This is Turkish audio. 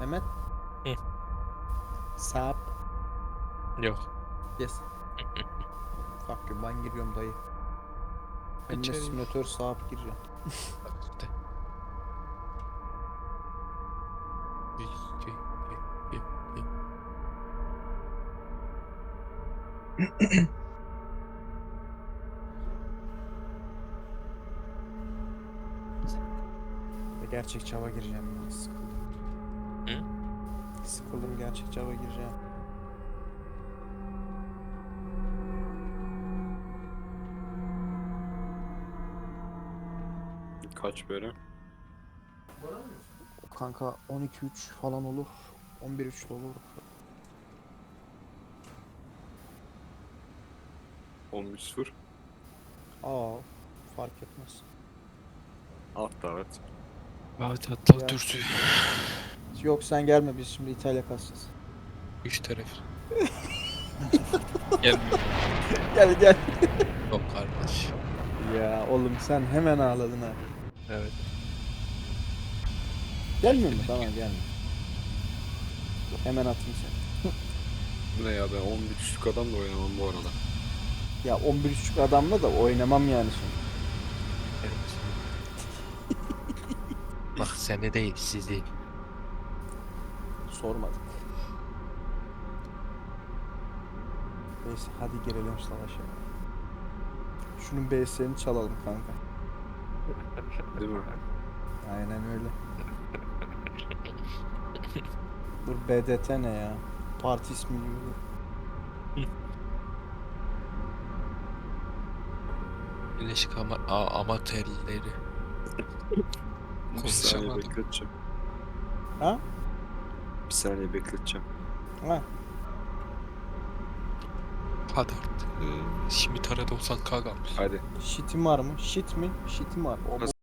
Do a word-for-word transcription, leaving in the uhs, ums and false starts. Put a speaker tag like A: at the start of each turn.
A: Mehmet.
B: Hı.
A: Sap.
B: Yok.
A: Yes. Fuck you, ben giriyorum dayı. Ben de
B: İçeri.
A: simülatör sap gireceğim.
B: Bak işte. Gi- gi- gi- gi- gi.
A: Ve gerçekçi hava gireceğim ya. Sıkıldım.
B: Hı?
A: Sıkıldım, gerçekçi hava gireceğim.
C: Kaç böyle?
A: Kanka on iki üç falan olur. on bir üç de olur.
C: on bir sıfır.
A: Aa, fark etmez.
C: Alt davet.
B: Hadi atla
A: Ya.
B: dürsü.
A: Yok sen gelme, biz şimdi İtalya kasacağız.
B: Üç taraf. Gelmiyor.
A: Gel gel.
B: Yok kardeş.
A: Ya oğlum sen hemen ağladın ha.
B: Evet.
A: Gelmiyor mu? Tamam gelme. Hemen atayım seni.
C: Bu ne ya, ben on bir düşük adamla oynamam bu arada.
A: Ya on bir buçuk adamla da oynamam yani şimdi.
B: Evet. Bak seni değil sizi.
A: Sormadık. Neyse hadi girelim savaşa. Şunun B S'ini çalalım kanka.
C: Değil mi?
A: Aynen öyle. Dur, B D T ne ya? Parti ismi gibi.
B: Birleşik ama a- amatörleri.
C: Bir saniye
B: Konuşamadım.
C: bekleteceğim.
A: Ha?
C: Bir saniye bekleteceğim.
A: Ha?
B: Hadi artık. Ee, Şimdi tara doksan K kalmış.
C: Hadi.
A: Shit'im var mı? Shit mi? Shit'im var. O